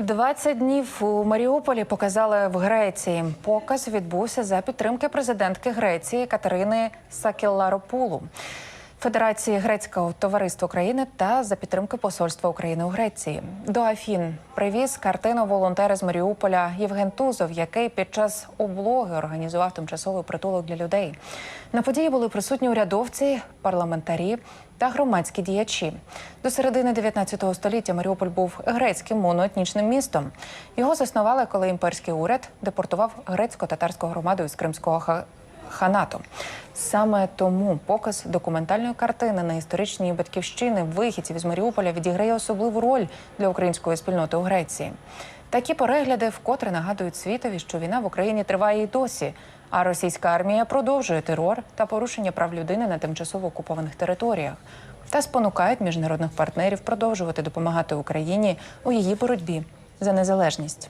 20 днів у Маріуполі показали в Греції. Показ відбувся за підтримки президентки Греції Катерини Сакелларопулу, Федерації Грецького товариства України та за підтримки Посольства України у Греції. До Афін привіз картину волонтер з Маріуполя Євген Тузов, який під час облоги організував тимчасовий притулок для людей. На події були присутні урядовці, парламентарі та громадські діячі. До середини 19 століття Маріуполь був грецьким моноетнічним містом. Його заснували, коли імперський уряд депортував грецько-татарську громаду із Кримського ханату. Саме тому показ документальної картини на історичній батьківщини вихідців із Маріуполя відіграє особливу роль для української спільноти у Греції. Такі перегляди вкотре нагадують світові, що війна в Україні триває і досі, а російська армія продовжує терор та порушення прав людини на тимчасово окупованих територіях та спонукають міжнародних партнерів продовжувати допомагати Україні у її боротьбі за незалежність.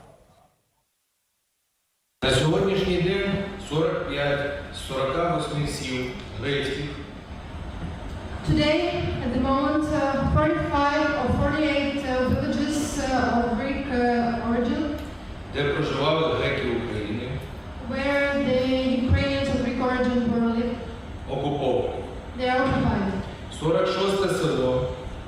На сьогоднішній день 45 з 48 сіл грецьких. Today, at the moment, 45 or 48 villages of Greek origin, Де проживали греки України, where the Ukrainians of Greek origin were living, окуповані. they are occupied. 46 село,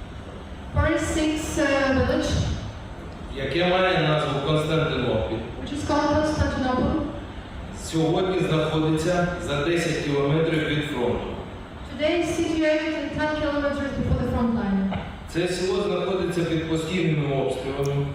46 village, яке має назву Константинопіль, which is called Constantinople, сьогодні знаходиться за 10 кілометрів від фронту. today is situated 10 kilometers before the front line. Це село знаходиться під постійними обстрілами.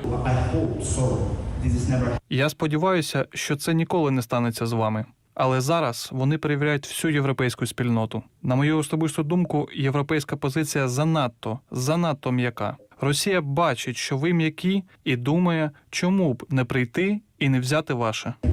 Я сподіваюся, що це ніколи не станеться з вами. Але зараз вони перевіряють всю європейську спільноту. На мою особисту думку, європейська позиція занадто м'яка. Росія бачить, що ви м'які, і думає, чому б не прийти і не взяти ваше.